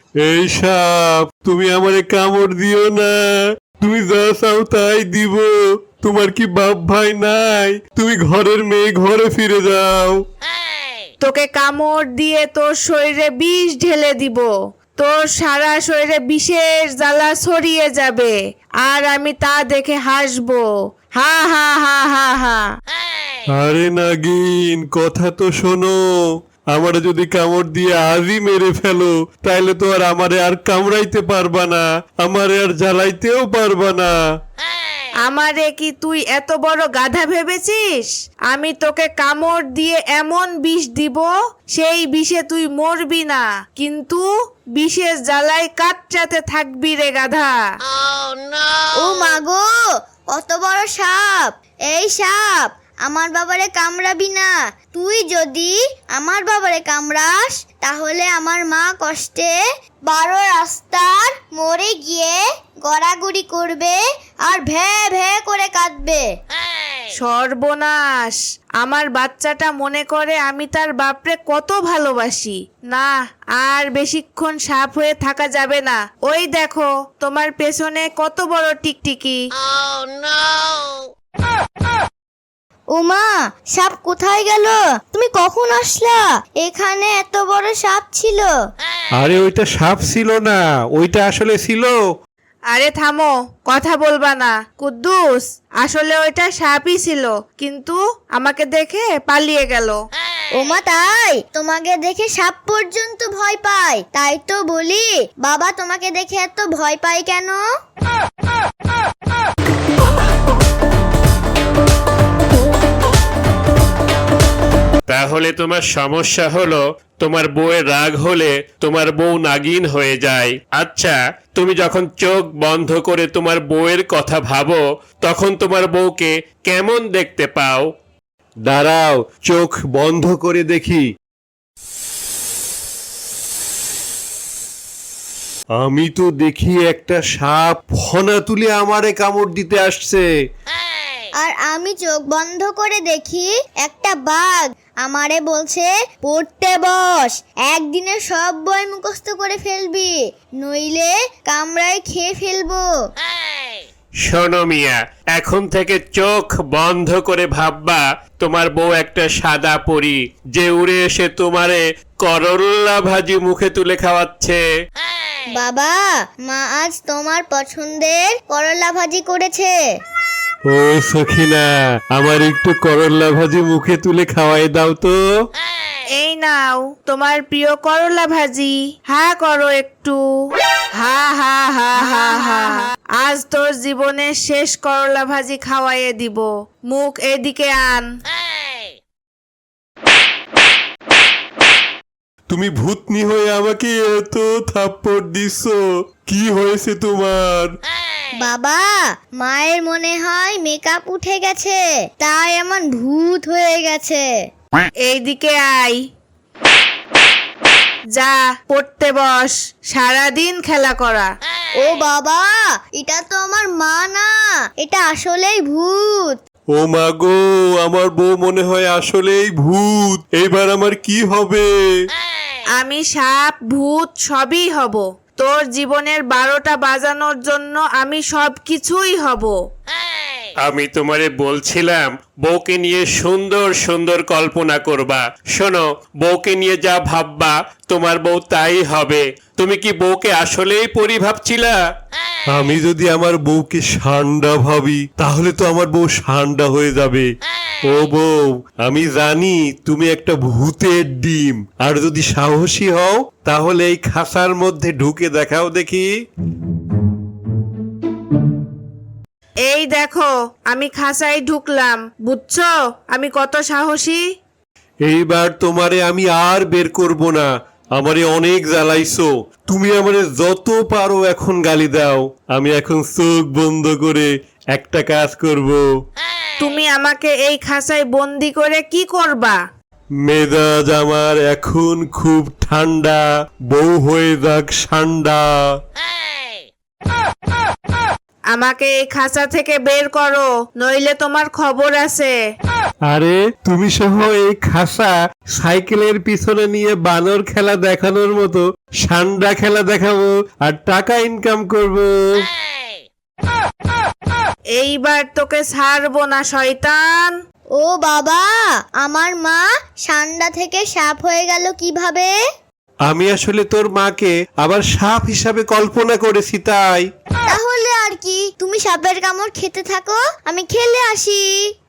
এই সাপ, তুমি আমারে কামড় দিও না। তুমি যা চাও তাই দিব। তোমার কি বাপ ভাই নাই? তুমি ঘরের মেয়ে, ঘরে ফিরে যাও। তোকে কামড় দিয়ে তোর শরীরে বিষ ঢেলে দিব। তোর সারা শরীরে বিষের জ্বালা ছড়িয়ে যাবে, আর আমি তা দেখে হাসবো। হা হা হা হা হা। আরে নাগিন, কথা তো শোনো। আমারে যদি কামড় দিয়ে আজই মেরে ফেলো, তাইলে তো আর আমারে আর কামড়াইতে পারবা না, আমারে আর জ্বালাইতেও পারবা না। আমারে কি তুই এত বড় গাধা ভেবেছিস? আমি তোকে কামড় দিয়ে এমন বিষ দিব, সেই বিষে তুই মরবি না, কিন্তু বিষের জ্বালায় কাটচাতে থাকবি রে গাধা। ও মাগো, কত বড় সাপ! এই সাপ, আমার বাবারে কামড়াবি না। তুই যদি আমার বাবারে কামড়াস, তাহলে আমার মা কষ্টে 12 রাস্তার মরে গিয়ে গড়াগড়ি করবে আর ভ্যা ভ্যা করে কাঁদবে। সর্বনাশ! আমার বাচ্চাটা মনে করে আমি তার বাপরে কত ভালোবাসি। না, আর বেশিক্ষণ সাপ হয়ে থাকা যাবে না। ওই দেখো, তোমার পেছনে কত বড় টিকটিকি। ওমা, সাপ কোথায় গেল? তুমি কখন আসলা? এখানে এত বড় সাপ ছিল? আরে ওইটা সাপ ছিল না, ওইটা আসলে ছিল। আরে থামো, কথা বলবা না। কুদ্দুস, আসলে ওইটা সাপই ছিল, কিন্তু আমাকে দেখে পালিয়ে গেল। ওমা তাই? তোমাকে দেখে সাপ পর্যন্ত ভয় পায়? তাই তো বলি, বাবা তোমাকে দেখে এত ভয় পায় কেন? তাহলে তোমার সমস্যা হলো, তোমার বউয়ের রাগ হলে তোমার বউ নাগিন হয়ে যায়। আচ্ছা, তুমি যখন চোখ বন্ধ করে তোমার বউয়ের কথা ভাবো, তখন তোমার বউকে কেমন দেখতে পাও? দাঁড়াও, চোখ বন্ধ করে দেখি। আমি তো দেখি একটা সাপ ফনা তুলে আমারে কামড় দিতে আসছে। আর আমি চোখ বন্ধ করে দেখি একটা বাঘ আমারে বলছে, পড়তে বস, একদিনে সব বই মুখস্থ করে ফেলবি, নইলে কামড়ায় খেয়ে ফেলবো। শোনো মিয়া, এখন থেকে চোখ বন্ধ করে ভাববা তোমার বউ একটা সাদা পরী, যে উড়ে এসে তোমারে করল্লা ভাজি মুখে তুলে খাওয়াচ্ছে। বাবা, মা আজ তোমার পছন্দের করলা ভাজি করেছে। ও সখিনা, আমার একটু করল্লা ভাজি মুখে তুলে খাওয়াই দাও তো। এই নাও তোমার প্রিয় করলা ভাজি, হা করো একটু। হা হা হা হা হা। আজ তোর জীবনের শেষ করলা ভাজি খাওয়াইয়ে দিব। মুখ এদিকে আন। তুমি ভূতনি হয়ে আমাকে এত থাপ্পড় দিছো, কি হয়েছে তোমার? বাবা, মায়ের মনে হয় মেকআপ উঠে গেছে, তাই এমন ভূত হয়ে গেছে। এইদিকে আয়। যা, পড়তে বস, সারাদিন খেলা করা। ও বাবা, এটা তো আমার মা না, এটা আসলেই ভূত। ও মা গো, আমার বউ মনে হয় আসলেই ভূত। এইবার আমার কি হবে? আমি সাপ ভূত সবই হব। তোর জীবনের 12টা বাজানোর জন্য আমি সব কিছুই হব। আমি তোমারে বলছিলাম বউকে নিয়ে সুন্দর সুন্দর কল্পনা করবা। শোনো, বউকে নিয়ে যা ভাববা তোমার বউ তাই হবে। তুমি কি বউকে আসলেই পরি ভাবছিলা? আমি যদি আমার বউকে ষান্ডা ভাবি, তাহলে তো আমার বউ ষান্ডা হয়ে যাবে। ও বউ, আমি জানি তুমি একটা ভূতের ডিম, আর যদি সাহসী হও তাহলে এই খাঁচার মধ্যে ঢুকে দেখাও দেখি। এই দেখো, আমি খাঁচায় ঢুকলাম, বুঝছো আমি কত সাহসী। এইবার তোমারে আমি আর বের করব না। আমারে অনেক জ্বালাইছো। তুমি আমারে যত পারো এখন গালি দাও। আমি এখন চোখ বন্ধ করে একটা কাজ করব। তুমি আমাকে এই খাঁচায় বন্দি করে কি করবা? মেজাজ আমার এখন খুব ঠান্ডা, বউ হয়ে যাক ঠান্ডা। আমাকে এই খাঁচা থেকে বের করো, নইলে তোমার খবর আছে। আরে তুমি সহ এই খাসা সাইকেলের পিছনে নিয়ে বানর খেলা দেখানোর মতো সান্ডা খেলা দেখাবো আর টাকা ইনকাম করব। এইবার তোকে ছাড়বো না শয়তান। ও বাবা, আমার মা ষান্ডা থেকে সাপ হয়ে গেল কিভাবে? আমি আসলে তোর মাকে আবার সাপ হিসাবে কল্পনা করেছি তাই। তাহলে আর কি, তুমি সাপের কামড় খেতে থাকো, আমি খেলে আসি।